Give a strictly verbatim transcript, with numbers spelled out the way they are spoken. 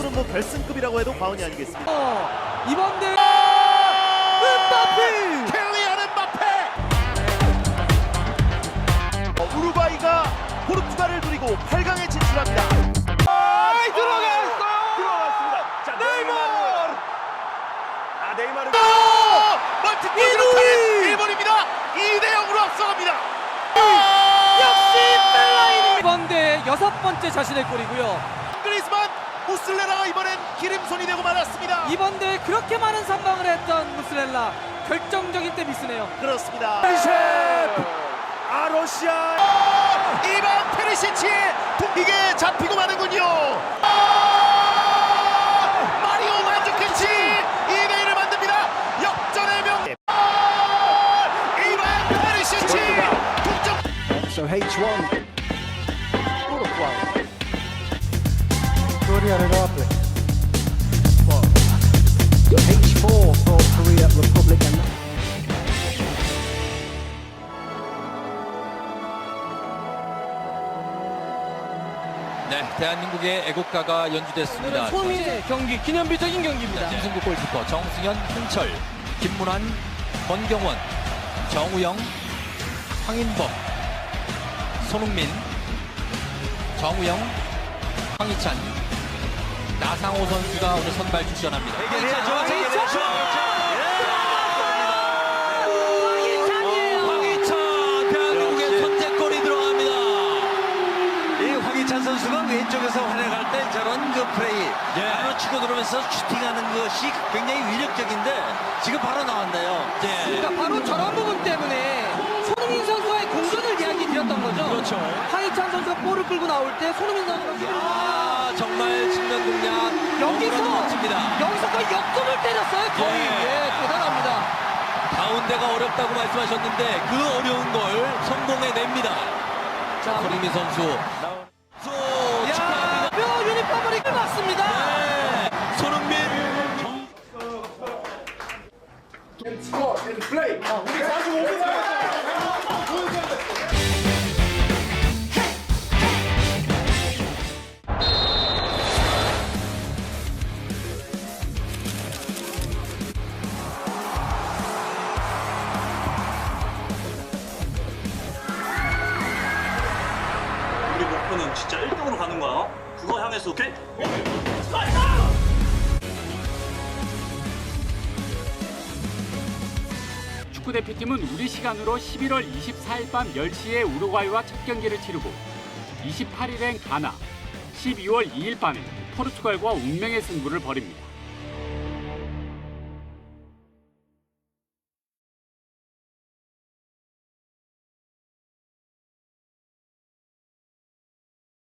전적으로 뭐 결승급이라고 해도 과언이 아니겠습니다. 어, 이번 대회 음바페! 켈리안 음바페! 어, 우루과이가 포르투갈을 누리고 팔 강에 진출합니다. 아이 들어갔어요. 들어갔습니다. 자, 네이마르. 아, 네이마르. 오! 멀티골로 차는 일본입니다. 이 대 영으로 앞서갑니다. 역시 벨라인! 이번 대회 여섯 번째 자신의 골이고요. 그리스만 무슬레라가 이번엔 기름손이 되고 말았습니다. 이번 대회 그렇게 많은 선방을 했던 무슬렐라 결정적인 때 미스네요. 그렇습니다. 아 러시아. 이반 페리시치의 이게 잡히고 마는군요. 마리오 만주키치 이 대 일을 만듭니다. 역전의 명. 이반 페리시치 동점. So H one Uruguay. Korea Republic. H four for Korea Republic. 네, 대한민국의 애국가가 연주됐습니다. 손흥민의 경기 기념비적인 경기입니다. 김승국 골키퍼, 정승현, 홍철, 김문환, 권경원, 정우영, 황인범, 손흥민, 정우영, 황희찬, 나상호 선수가 오늘 선발 출전합니다. 황희찬, 대한민국의 선제골이 들어갑니다. 이 황희찬 선수가 왼쪽에서 활약할 때 저런 그 플레이 예. 바로 치고 들어오면서 슈팅하는 것이 굉장히 위력적인데 지금 바로 나왔네요. 네. 그러니까 바로 저런 부분 때문에 손흥민 선수와의 공전을 이야기 드렸던 거죠. 그렇죠. 황희찬 선수가 볼을 끌고 나올 때 손흥민 선수가 아, 정말 측면 공략 여기서 너무나도 멋집니다. 여기서 거의 역전을 때렸어요. 거의 예. 예, 대단합니다. 가운데가 어렵다고 말씀하셨는데 그 어려운 걸 성공해냅니다. 자, 손흥민 선수. 수 야, 축하합니다. 뼈 유니폼을 입맞습니다. 네. 손흥민. 우리 목표는 진짜 일 등으로 가는 거야. 그거 향해서 오케이? 축구대표팀은 우리 시간으로 십일월 이십사일 밤 열 시에 우루과이와 첫 경기를 치르고 이십팔일엔 가나, 십이월 이일 밤에 포르투갈과 운명의 승부를 벌입니다.